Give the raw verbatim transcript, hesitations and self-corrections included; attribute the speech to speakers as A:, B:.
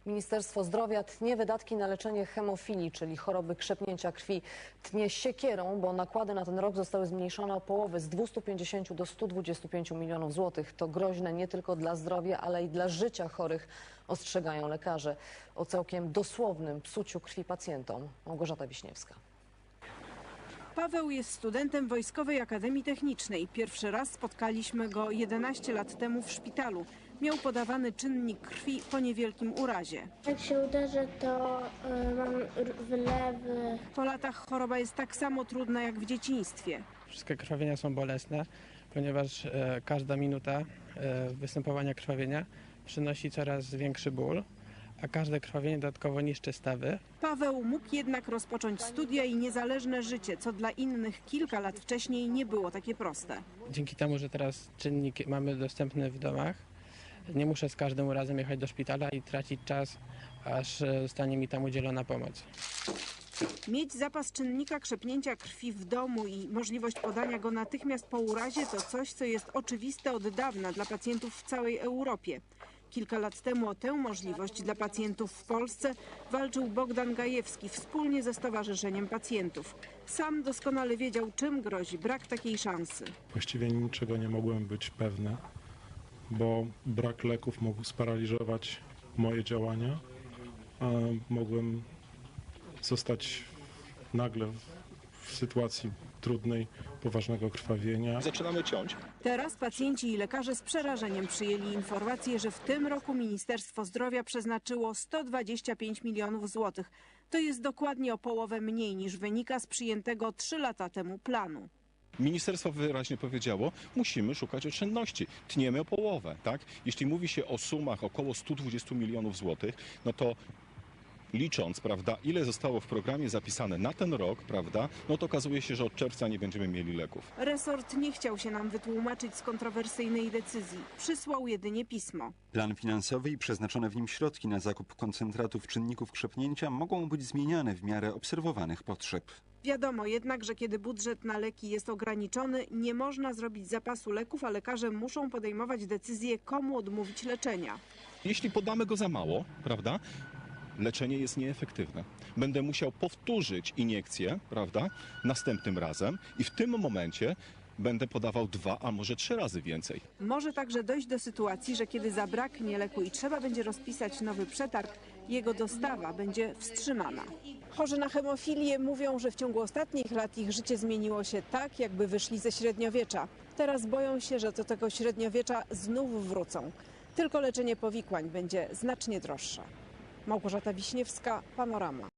A: Ministerstwo Zdrowia tnie wydatki na leczenie hemofilii, czyli choroby krzepnięcia krwi. Tnie siekierą, bo nakłady na ten rok zostały zmniejszone o połowę, z dwustu pięćdziesięciu do stu dwudziestu pięciu milionów złotych. To groźne nie tylko dla zdrowia, ale i dla życia chorych, ostrzegają lekarze. O całkiem dosłownym psuciu krwi pacjentom. Małgorzata Wiśniewska.
B: Paweł jest studentem Wojskowej Akademii Technicznej. Pierwszy raz spotkaliśmy go jedenaście lat temu w szpitalu. Miał podawany czynnik krwi po niewielkim urazie.
C: Jak się uderzę, to y, mam wylewy.
B: Po latach choroba jest tak samo trudna jak w dzieciństwie.
D: Wszystkie krwawienia są bolesne, ponieważ e, każda minuta e, występowania krwawienia przynosi coraz większy ból, a każde krwawienie dodatkowo niszczy stawy.
B: Paweł mógł jednak rozpocząć studia i niezależne życie, co dla innych kilka lat wcześniej nie było takie proste.
D: Dzięki temu, że teraz czynnik mamy dostępny w domach, nie muszę z każdym razem jechać do szpitala i tracić czas, aż zostanie mi tam udzielona pomoc.
B: Mieć zapas czynnika krzepnięcia krwi w domu i możliwość podania go natychmiast po urazie to coś, co jest oczywiste od dawna dla pacjentów w całej Europie. Kilka lat temu o tę możliwość dla pacjentów w Polsce walczył Bogdan Gajewski wspólnie ze Stowarzyszeniem Pacjentów. Sam doskonale wiedział, czym grozi brak takiej szansy.
E: Właściwie niczego nie mogłem być pewny, bo brak leków mógł sparaliżować moje działania. Mogłem zostać nagle w sytuacji trudnej, poważnego krwawienia.
F: Zaczynamy ciąć.
B: Teraz pacjenci i lekarze z przerażeniem przyjęli informację, że w tym roku Ministerstwo Zdrowia przeznaczyło sto dwadzieścia pięć milionów złotych. To jest dokładnie o połowę mniej niż wynika z przyjętego trzy lata temu planu.
F: Ministerstwo wyraźnie powiedziało, musimy szukać oszczędności. Tniemy o połowę, tak? Jeśli mówi się o sumach około stu dwudziestu milionów złotych, no to licząc, prawda, ile zostało w programie zapisane na ten rok, prawda, no to okazuje się, że od czerwca nie będziemy mieli leków.
B: Resort nie chciał się nam wytłumaczyć z kontrowersyjnej decyzji. Przysłał jedynie pismo.
G: Plan finansowy i przeznaczone w nim środki na zakup koncentratów czynników krzepnięcia mogą być zmieniane w miarę obserwowanych potrzeb.
B: Wiadomo jednak, że kiedy budżet na leki jest ograniczony, nie można zrobić zapasu leków, a lekarze muszą podejmować decyzję, komu odmówić leczenia.
F: Jeśli podamy go za mało, prawda, leczenie jest nieefektywne. Będę musiał powtórzyć iniekcję, prawda, następnym razem i w tym momencie będę podawał dwa, a może trzy razy więcej.
B: Może także dojść do sytuacji, że kiedy zabraknie leku i trzeba będzie rozpisać nowy przetarg, jego dostawa będzie wstrzymana. Chorzy na hemofilię mówią, że w ciągu ostatnich lat ich życie zmieniło się tak, jakby wyszli ze średniowiecza. Teraz boją się, że do tego średniowiecza znów wrócą. Tylko leczenie powikłań będzie znacznie droższe. Małgorzata Wiśniewska, Panorama.